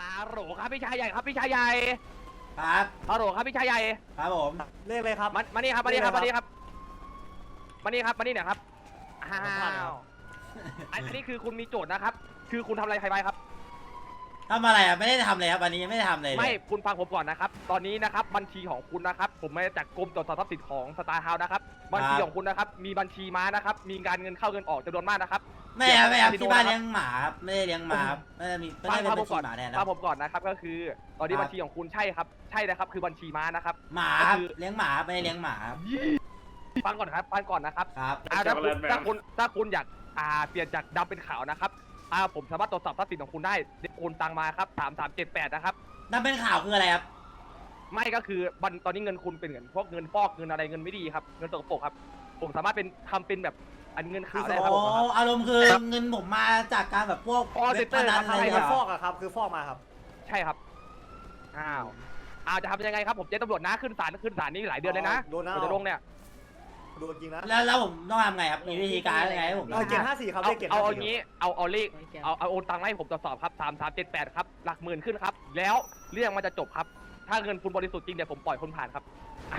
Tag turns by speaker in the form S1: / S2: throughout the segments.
S1: ฮัลโหลครับพี่ชายใหญ่ครับพี่ชายใหญ่
S2: ครับ
S1: ฮัลโหลครับพี่ชายใหญ่
S2: ครับผม
S3: เลขเลยครับ
S1: มานี่ครับมานี่ครับมานี่ครับมานี่ครับมานี่หน่อยครับอ้าวอันนี้คือคุณมีโจทย์นะครับ คือคุณทำอะไรใครไปครับ
S2: ทำอะไรอ่ะไม่ได้ทำเลยครับวันนี้ยังไม่ได้ทำเลย
S1: ไม่คุณฟังผมก่อนนะครับ ตอนนี้นะครับบัญชีของคุณนะครับ ผมมาจากกรมตรวจสอบทรัพย์สินของสตาร์เฮาส์นะครับบัญชีของคุณนะครับมีบัญชีม้านะครับมีการเงินเข้าเงินออกจำนวนมากนะครับ
S2: ไม่ครับไม่ครับที่บ้านเลี้ยงหมาครับไม่ได้เลี้ยงหมาครับไม่ได้มีไม่ได้เป็น
S1: ฟั
S2: บั
S1: ง
S2: ญ
S1: ผม
S2: ชี
S1: ก่อน
S2: หมาแทน
S1: ฟั
S2: นะ
S1: งผมก่อนนะครับก็คือตอนนี้
S2: ครับ
S1: บัญชีของคุณใช่ครับใช่นะครับคือบัญชีม้านะครับ
S2: หมาครับเลี้ยงหมาครับไม่ได้เลี้ยงหมาครับ
S1: ฟังก่อนครับฟังก่อนนะครับ
S2: ครับ
S1: ถ้าคุณอยากเปลี่ยนจากดำเป็นขาวนะครับผมสามารถตรวจสอบทรัพย์สินของคุณได้โอนตังมาครับ3378นะครับ
S2: นั่นเป็นข่าวคืออะไรครับ
S1: ไม่ก็คือตอนนี้เงินคุณเป็นเงินพวกเงินฟอกเงินอะไรเงินไม่ดีครับเงินตกปรกครับผมสามารถทำเป็นแบบอันเงินขาวได้ครับ
S2: โอ้อารมณ์คือเงินผมมาจากการแบบพวก
S1: Call
S2: เว็บพ
S1: center
S2: นัน
S1: ครั
S2: อะ
S1: บ
S2: ไร
S3: ใคร
S2: เหร
S3: มาฟ
S2: อ
S3: อกอะครับคือฟอกมาครับ
S1: ใช่ครับจะทำยังไงครับผมเจ๊ตำรวจนะขึ้นศาลนี่หลายเดือนเลยนะ
S3: โดนนะ
S1: ผมจะลงเนี่ย
S3: โดนจริงนะ
S2: แล้วผมต้องทำไงครับมีวิธีการยังไงให้ผม
S3: เกณฑ์54ครับเลขเกณฑ์
S1: เอาอ
S3: 54
S1: ย่างนี้เอาเลขเอาโอนตังค์ให้ผมตรวจสอบครับ3378ครับหลักหมื่นขึ้นครับแล้วเรื่องมันจะจบครับถ้าเงินคุณบริสุทธิ์จริงเดี๋ยวผมปล่อยคุณผ่านครับ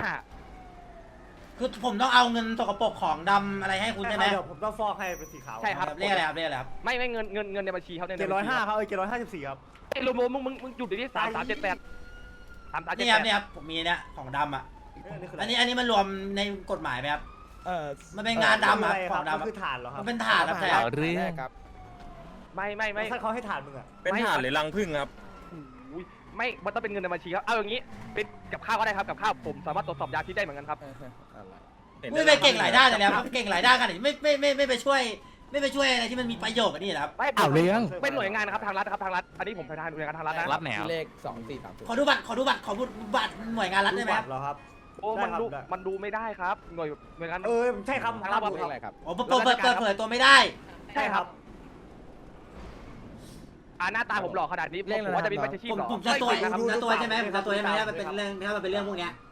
S2: คือผมต้องเอาเงินสกปรกของดำอะไรให้คุณใช่ไหม
S3: เดี๋ยวผมต้องฟอกให้เป็นสีขาว
S1: ใช่ครับ
S2: เรียกอะไรครับเรียกอะไรครับ
S1: ไม่เงินในบัญชีเขาใน
S3: เกณฑ์105ครับเกณฑ์154ครับ
S1: ไอ้โลโมมึงหยุดดิที่3378
S2: นี่ครับนี่ครับผมมีเนี่ยของดำอ่ะอันนี้มันรวมในกฎหมายไหมครับมันเป็นงานดำอะของดำ
S3: มันคือฐานเหรอครับ
S2: มันเป็นถาดครับใช่ครับ
S4: เรื่อง
S1: ไม่
S3: ถ้าเขาให้ฐานมึงอะ
S4: เป็นฐานหรือรังผึ้งครับ
S1: ไม่มันต้องเป็นเงินในบัญชีครับเอาอย่างนี้เป็นกับข้าวก็ได้ครับกับข้าวผมสามารถตรวจสอบยาพิษได้เหมือนกันครับ
S2: ไม่ไปเก่งหลายด้านเลยนะครับเก่งหลายด้านกันไม่ไปช่วยอะไรที่มันมีประโยชน์กันนี่นะครับ
S1: ไม่
S4: เอาเรื่อง
S1: เป็นหน่วยงานครับทางรัฐครับทางรัฐอันนี้ผมเป็นทางหน่วยงานทางรัฐนะ
S4: รัฐแนว
S5: เลข2430
S2: ขอดูบัตรหน่วยงานรัฐได้ไหมครับ
S3: เหรอครับ
S1: โอ้มันดูไม่ได้ครับหน่วยงาน
S3: ใช่ครับ
S1: ทางรัฐ
S5: เลขอะไรครับ
S2: อ๋อเปิดเผยตัวไม่ได้
S1: ใช่ครับหน้าตาผมหล่อขนาดนี้ผมว่าจะมีบัญชี
S2: ผมจะตัวใช่ไหมผมจะตัวใช่ไหมถ้ามันเป็นเรื่องพวกเนี้ย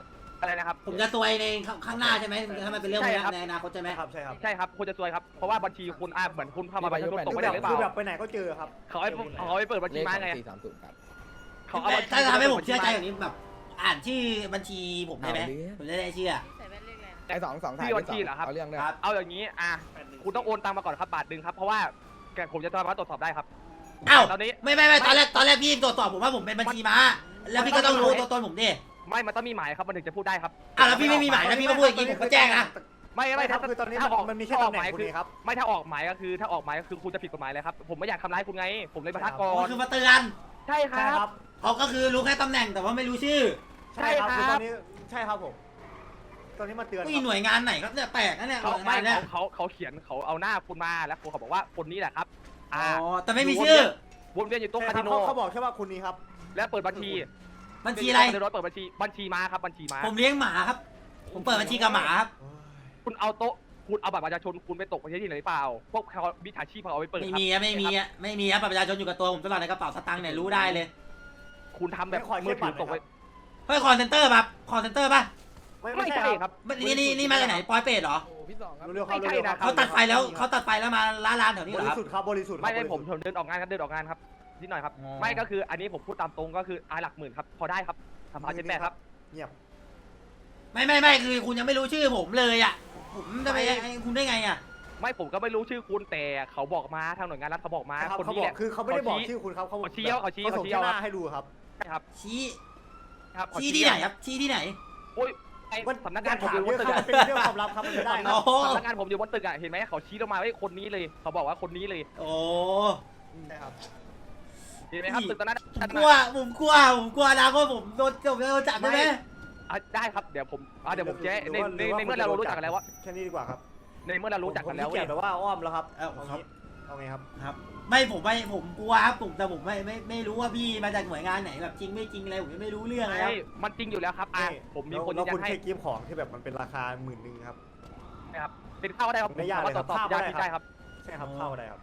S5: 8
S1: อะไรนะครับ
S2: ผมจะตัวในข้างหน้าใช่ไหมถ้ามันเป็นเรื่องพวกนี้ในอนาคตใช่ไหม
S3: ครับใช่ครับ
S1: ใช่ครับคุณจะซวยครับเพราะว่าบัญชีคุณเหมือนคุณเข้ามาบัญชีตกไปได้หรือเป
S3: คือแบ
S1: ล่า
S3: บไปไหนก็เจอครับ
S1: เขาให้เปิดบัญ
S5: เล
S1: ชี
S5: ข
S1: มาไง
S5: 2430ครับ
S1: เขาเอาบัญชี
S2: ถ้าทำให้ผมเชื่อใจอย่างนี้แบบอ่านชื่อบัญชีผมได้ไหมผมจะได้เชื่อ
S5: ไอ้2 ถ่าย
S1: ที่บัญชีเหรอครับ
S5: เอาเรื่องด้วย
S2: ครับ
S1: เอาอย่างนี้คุณต้องโอนตังมาก่อนครับบาทหนึ่งครับเพราะว่าผมจะสามารถตรวจสอบได้ครับ
S2: อ้าว
S1: ตอนนี้
S2: ไม่ตอนแรกพี่ตรวจสอบผมว่าผมเป็นบัญชีม้าแล้วพี่ก็ต้องรู้ตัวตนผมดิ
S1: ไม่มันต้องมีหมายครับมันถึงจะพูดได้ครับ
S2: แล้วพี่ไม่มีหมายนะพี่มาพูดอย่างนี้ผมก็แจ้งนะ
S1: ไม่
S3: ครั
S1: ถ้า
S3: บคือตอนนี้
S1: ถ้าออก
S3: มันมีแค่
S1: ถ้าอ
S3: ตำ แหน่ง
S1: อกหมาย
S3: คุณ
S1: คือ
S3: เองครับ
S1: ไม่ถ้าออกหมายก็คือถ้าออกหมายก็คือคุณจะผิดกฎหมายเลยครับผมไม่อยากทำร้ายคุณไง ผมเลยมาทักก่อ
S2: มัน
S1: น
S2: คือมาเตือน
S1: ใช่ค
S3: ใช่
S1: รั
S3: ครับ บ
S2: เขาก็คือรู้แค่ตำแหน่งแต่ว่าไม่รู้ชื่อ
S3: ใช่ครับคือตอนนี้ใช่ครับผมตอนนี้มาเตือน
S2: มีหน่วยงานไหนครับเนี่ยแปลกนะเนี่ย
S1: เขา
S2: หน่วย
S1: ไม่
S2: งานเนี่ย
S1: เขาเขียนเขาเอาหน้าคุณมาแล้วเขาบอกว่าคนนี้แหละครับ
S2: อ๋อแต่ไม่มีชื่อ
S1: วนเวียนอยู่ตรง
S3: ใช่
S1: คา
S3: ครั
S1: สิ
S3: บ
S1: โน
S3: เขาบอกแค่ว่าคุณนี้ครับ
S1: แล้วเปิดบัญชี
S2: บัญชีอะไร
S1: เดี๋ยวเปิดบัญชีม้าครับบัญชีม้า
S2: ผมเลี้ยงหมาครับ ผมเปิดบัญชีกับหมาครับ
S1: คุณเอาโต๊ะคุณเอาบัตรประชาชนคุณไปตกประเทศที่ไหนหรือเปล่าพวกเขาวิชาชีพเขาเอาไปเปิด
S2: ไม่
S1: ครับ
S2: มีอะไม่มีครับบัตรประชาชนอยู่กับตัวผมตลอดในกระเป๋าสตางค์เนี่ยรู้ได้เลย
S1: คุณทำแบบมือถือตกไป
S2: เฮ้ยคอนเซนเตอร์ป่ะคอนเซนเตอร์ป่ะ
S1: ไม่ใช่ครับ
S2: นี่มาจากไหนปอยเป็ดเหรอ
S5: โอ้พี่2ครับ
S3: เร็วๆครับ
S1: ไม่ใช่นะ
S2: เขาตัดไฟแล้วมาร้านแถวนี้
S3: บ
S2: เหรอ
S3: ริ
S2: ครับ
S3: สุทธิ์ครับบริสุทธิ์
S1: ไม่ผมเดินออกงานครับนิดหน่อยครับ
S2: อ๋อ
S1: ไม่ก็คืออันนี้ผมพูดตามตรงก็คือหลักหมื่นครับพอได้ครับ3,700ครับ
S3: เงียบ
S2: ไม่คือคุณยังไม่รู้ชื่อผมเลยอ่ะผมจะไปให้คุณได้ไงอ่ะ
S1: ไม่ผมก็ไม่รู้ชื่อคุณแต่เขาบอกมาทางหน่วยงานรัฐเขาบอกมา
S3: ครับ
S1: คน
S3: เขา
S1: นี้
S3: บอ
S1: แห
S3: ก
S1: ละ
S3: คือเขาไม่ได้บอกชื่อคุณครับเขา
S1: เขาชี้
S3: ส่งแค่หน้าให้ดูครับ
S1: ใช่ครับ
S2: ชี้
S1: ครับ
S2: ชี้ที่ไหนครับชี้ที่ไหน
S1: โอ้ยไอ้สำนักงานผม
S3: ถา
S1: อ
S3: ม
S1: ยู่บ
S3: เย
S1: น
S3: อะ
S1: ตึก
S3: ครับ
S1: อะ
S3: เป็นเรื่องความลับครับมันไม่ได้ค
S2: โอ้
S3: รับ
S2: โห
S1: สำนักงานผมอยู่บนตึกอะเห็นไหมเขาชี้ลงมาว่าคนนี้เลยเขาบอกว่าคนนี้เลย
S2: โอ้
S3: ใช่ครับ
S1: เห็นไหมครับตึกตอนนั้น
S2: ผมกลัวนะก็ผมโดนจับได้ไหม
S1: ได้ครับเดี๋ยวผมเดี๋ยวผมแจ้ในเมื่อเรารู้จักกันแล้วว่า
S3: แค่นี้ดีกว่าครับ
S1: ในเมื่อเรารู้จักกันแล้ว
S3: ผมขี้เกียจแบบว่าอ้อมแล้วครับ
S2: ครับ
S3: เอาไงครับ
S2: ครับไม่ผมกลัวครับแต่ผมไม่รู้ว่าพี่มาจากหน่วยงานไหนแบบจริงไม่จริงอะไรผมยังไม่รู้เรื่องเลยครับ
S1: มันจริงอยู่แล้วครับผมมีคน
S3: เรา
S1: ยืนยั
S3: คุณ
S1: นให้
S3: แค่กิฟต์ของที่แบบมันเป็นราคา10,000ครับ
S1: นะครับเป็นข้าวได้ครับ
S3: ไม่ยากเลยครับ
S1: ตรวจสอบ
S3: ข้าว
S1: ยา
S3: ได้
S1: พิษ
S3: ครับ
S1: ได้ครับ
S3: ใช่ครับเข้าได้ครับ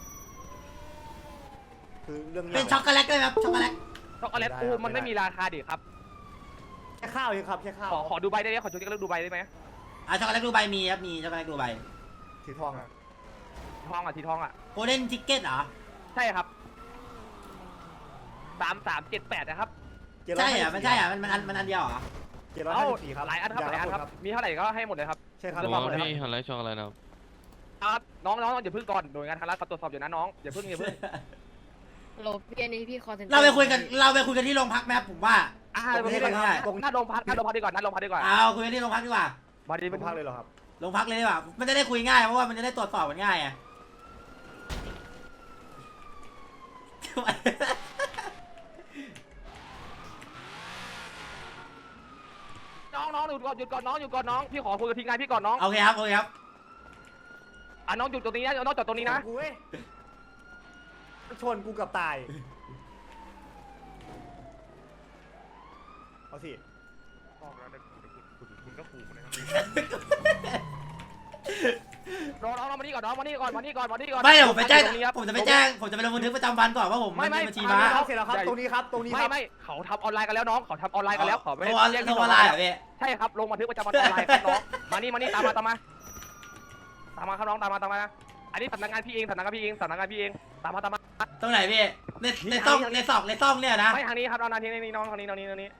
S3: คือเรื่อง
S2: เป็นช็อกโกแลตได้ไหมครับช็อกโกแลต
S1: ช็อกโกแลตอูมันไม่มีราคาดิครับ
S3: แค่ข้าวเองครับแค่ข้าว
S1: ขอดูใบได้ไหมขอช็อกโกแลตดูใบได้ไหม
S2: ช็อกโกแลตดูใบมีครับมีช็อกโกแลตดูใบ
S3: สีทองอ่ะ
S1: ทองอ่ะสีทองอ่ะ
S2: โกลเด้นทิกเก็ตเหรอ
S1: ใช่ครับ 3378นะครับ
S2: ใช่เหรอมันใช่เหรอมันอันเดียวเหรอ
S1: เอ้า
S3: 754ครับ
S1: หลายอันครับหลายอันครับมีเท่าไหร่ก็ให้หมดเลยครับ
S3: ใช่ครับ
S1: เรื่องความหมดเลยครับ
S4: พี่ฮันไลท์ช็อกอะไรนะครับ
S1: ครับน้องอย่าเพิ่งก่อนหน่วยงานทางรัฐเขาตรวจสอบอยู่นะน้องอย่าเพิ่ง
S6: โหลพี่อันนี้พี่คอนเทนต์
S2: เราไปคุยกันที่โรงพักไหมครับผมว่า
S1: เดี๋ยวไม่ได้ตรงหน้าโรงพักดีกว่าหน้าโรงพักดีกว่า
S2: เอาคุยกันที่โรงพักดีกว่า
S1: มาดี
S3: เป็นภาคเลยเหรอครับ
S2: โรงพักเลยดีกว่ามันจะได้คุยง่ายเพราะว่ามันจะได้ตรวจสอบกันง่ายไง
S1: น้องหยุดก่อนน้องพี่ขอคุยกับทีมงานพี่ก่อนน้อง
S2: โอเคครับ
S1: น้องหยุดตรงนี้นะน้องจอดตรงนี้นะ
S3: กูเว้ยชนกูกับตายเอาสิ
S1: คุณก็ขู่นะครับน้องมานี่ก่อนมานี่ก่อน
S2: ไม่เดี๋ยวผมไปแจ้งผมจะไปลงบันทึกประจำวันก่อนว่าผมไม่บัญชีม้า
S3: เสร็จแล้วครับตรงนี้ครับตรงนี้ครับ
S1: ไม่เขาทำออนไลน์กันแล้วน้องเขาทำออนไลน์กันแล้วเขาไม่ได้แจ้ง
S2: ลงออนไลน์เหรอพี่
S1: ใช่ครับลงบันทึกประจำวันออนไลน์ครับน้องมานี่ตามมาครับน้องตามมาอันนี้สำนักงานพี่เองตามมา
S2: ตรงไหนพี่ในซองเนี่ยนะ
S1: ไม่ทางนี้ครับน้องนี่น้องทางนี้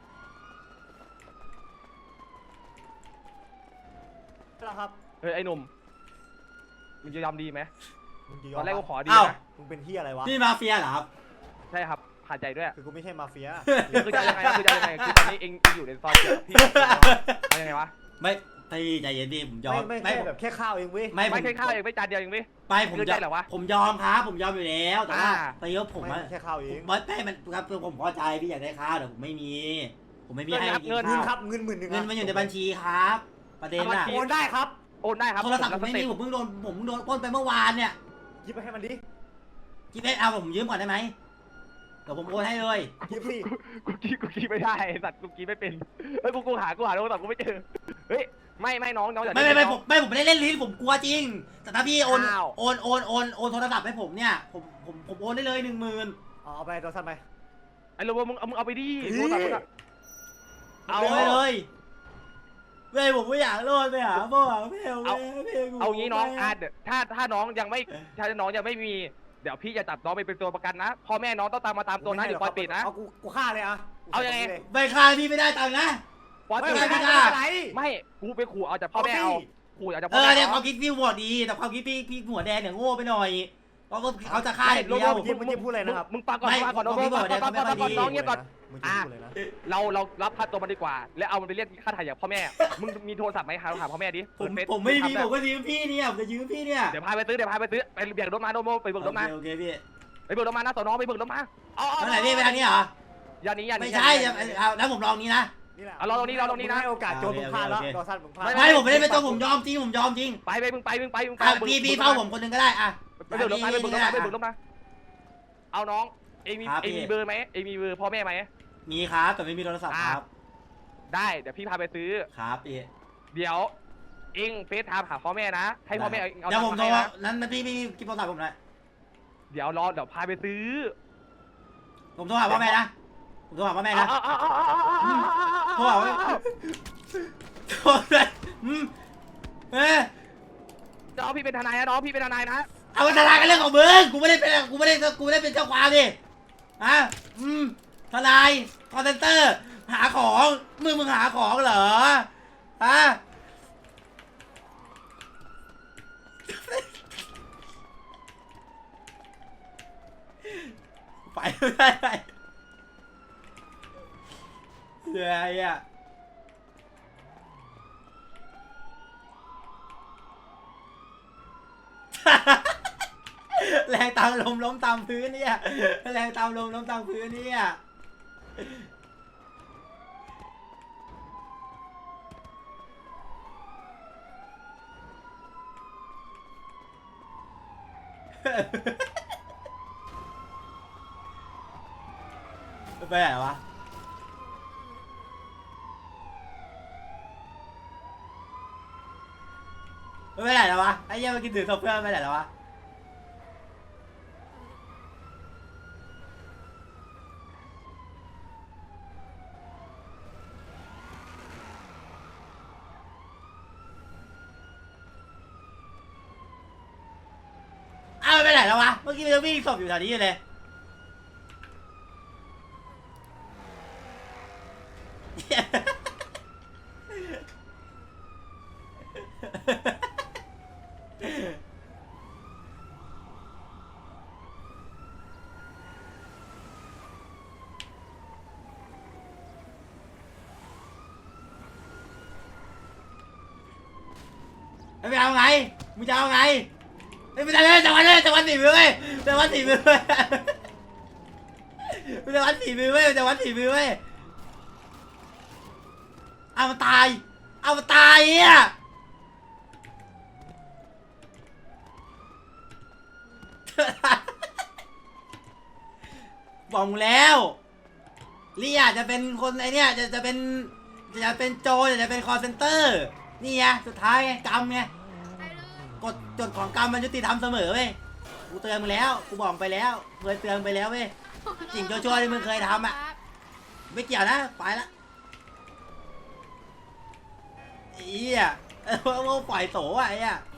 S3: แล้วครับ
S1: เฮ้ยไอ้หนุ่มมึงจะยอมดีไหม
S3: มึงจะย
S1: ต
S3: อ
S1: อ
S3: ม
S1: นแรกกูขอดี
S2: อ้าว
S1: นะ
S3: มึงเป็นที่อะไรวะ
S2: นี่มาเฟียเหรอครับ
S1: ใช่ครับขาดใจด้วย
S3: คือกูไม่ใช่มาเฟีย
S1: คือจะยังไงคือตอนนี้เองอยู่ในซอยเดียวพี่เอายังไงวะ
S2: ไม่ตีใจเย็นดิผมยอม
S3: ไม่แค่แบบแค่ข้าวเองเว้ย
S1: ไม่ใช่ข้าวเองไม่จานเดียวเองเว้ย
S2: ไปผม
S1: คือใจเหรอวะ
S2: ผมยอมครับผมยอมอยู่แล้วแต่ว่า
S1: อ่า
S2: ตีว่าผม
S3: ไม่แค่ข้าวเอง
S2: ไม่มันครับผมพอใจพี่อยากได้ข้าวแต่ผมไม่มีให้กิน
S3: เงิน
S2: ข้าว
S3: ครับเงิน10,000
S2: เงินมันอยู่ในบัญชีครับ ประเด็นน่ะ
S3: โอนได้ครับ
S1: โอนได้ครับ
S2: โทรศัพท์ผมไม่มีผมเพิ่งโดนปล้นไปเมื่อวานเนี่ย
S3: ยิบไปให้มันดิ
S2: คิดเอาผมยืมก่อนได้ไหมเดี๋ยวผมโอนให้เลย
S3: ยิบสิ
S1: กูกี้ไม่ได้สัตว์กูกี้ไม่เป็นเฮ้ยกูหาโทรศัพท์กูไม่เจอเฮ้ยไม่น้องอย่า
S2: ไม่ผมไม่ได้เล่นลิ้นผมกลัวจริง แต่ถ้าพี่โอน
S1: อ้าว
S2: โอนโทรศัพท์ให้ผมเนี่ยผมโอนได้เลย 10,000
S3: เอาไปตัวสั้นไป
S1: ไอ้โรเบิร์ตมึงเอาไปดิโทรศัพท์มึงอะ
S2: เอาไปเลยเว้ยผมไม่อยากโลดไปหาพ่อหาแม่
S1: เอางี้น้องถ้าน้องยังไม่มี เดี๋ยวพี่จะจับน้องไปเป็นตัวประกันนะพ่อแม่น้องต้องตามตัวนะเดี๋ยวปล่อยปิดนะ
S3: เอากูฆ่าเลยอะ
S1: เอายังไง
S2: ไม่ฆ่าพี่ไม่ได้ตังค์นะ
S1: ปล่อย
S3: ไม่
S1: ปิด
S3: ไม่
S1: นะ
S3: ไม่อะไร
S1: ไม่กูไปขู่เอาจากพ่อแม่เอาขู่เอาจาก
S2: เอ
S1: พ่อ
S2: อ
S1: แม่
S2: เนี่ยค
S1: เอา
S2: วามคิดพี่หัวดีแต่ความคิดพี่หัวแดงเนี่ยโง่ไปหน่อยเพราะว่าเขาจะฆ่าอย่างเดียว
S3: เมื่อกี้พูดอะไรนะครับ
S1: มึงฟังก่อนน้องน้องเงียบก่อน
S3: มึงจะพูดเลยนะ
S1: เรารับค่าตัวมันดีกว่า แล้วเอามันไปเรียกค่าถ่ายจากพ่อแม่ มึงมีโทรศัพท์ไหมหาพ่อแม่ดิ
S2: ผมไม่มีผมก็ยืมพี่เนี่ยผมจะยืมพี่เนี่ย
S1: เดี๋ยวพาไปซื้อไปเบิกรถมาโนโมไปเบิกรถมา
S2: โอเคพี่
S1: ไปเบิกรถมานะสอนอไปเบิกรถมาเอา
S2: ทางไหนพี่ไปทางนี้เหรอ
S1: อย่านี้
S2: ไม่ใช่แล้วผมลองนี้นะ
S3: นี่แหละ
S1: เอาเราตรงนี้นะ
S3: ให้โอกาสโจรมึงพลาดแล้วตัวสั้นมึงพลาด
S2: ไม่ผมไม่ได้เป็นตัวผมยอมจริงผมยอมจริง
S1: ไปมึงไป
S2: พี่เฝ้าผมคนนึงก็ได้อ่ะ
S1: ไปเบิกรถมาเอาน้องเองมีเบอร์ไหมเองมีเบอร์พ่อแม่ไหม
S2: มีครับแต่ไม่มีโทรศัพท์ครับ
S1: ได้เดี๋ยวพี่พาไปซื้อ
S2: ครับพี่
S1: เดี๋ยวเองเฟซไทม์หาพ่อแม่นะให้พ่อแม่เอา
S2: เดี๋ยวผมโทร
S1: นะ
S2: นั้นพี่กินโทรศัพท์ผมหน่อย
S1: เดี๋ยวพาไปซื้อ
S2: ผมโทรหาพ่อแม่นะผมโทรหาพ่อแม่นะโทรหาโทรเลย
S1: น้องพี่เป็นทนายนะน้องพี่เป็นทนายนะ
S2: เอาทนายกันเรื่องของมึงกูไม่ได้เป็นเจ้าความดิฮะทนายคอนเซนเตอร์หาของมึงหาของเหรอฮะไปเดี๋ยวอ่ะแรงตามลมล้มตามพื้นเนี่ยแรงตามลมล้มตามพื้นเนี่ยไปไหนวะไปไหนแล้ววะไอ้เหี้ยมากินถือศพเพื่อนไปไหนแล้ววะอ้าวไปไหนแล้ววะเมื่อกี้มันวิ่งศพอยู่แถวนี้อยู่เลยไม่เอาไงมึงจะเอาไงไม่ได้เลยจะวันสี่มือเว้ยจะวันสี่มือเว้ยจะวันสี่มือเว้ยจะวันสี่มือเว้ยเอามาตายอ่ะบอกมึงแล้วเรียจะเป็นคนไอเนี้ยจะเป็นโจจะเป็นคอลเซ็นเตอร์นี่ไงสุดท้ายไงกรรมไงกฎของกรรมมันยุติธรรมเสมอเว้ยกูเตือนมึงแล้วกูบอกไปแล้วเคยเตือนไปแล้วเว้ยสิ่งชั่วๆที่มึงเคยทำอ่ะไม่เกี่ยวนะไปละไอ้เหี้ยว่าปล่อยโตอ่ะไอ้เหี้ย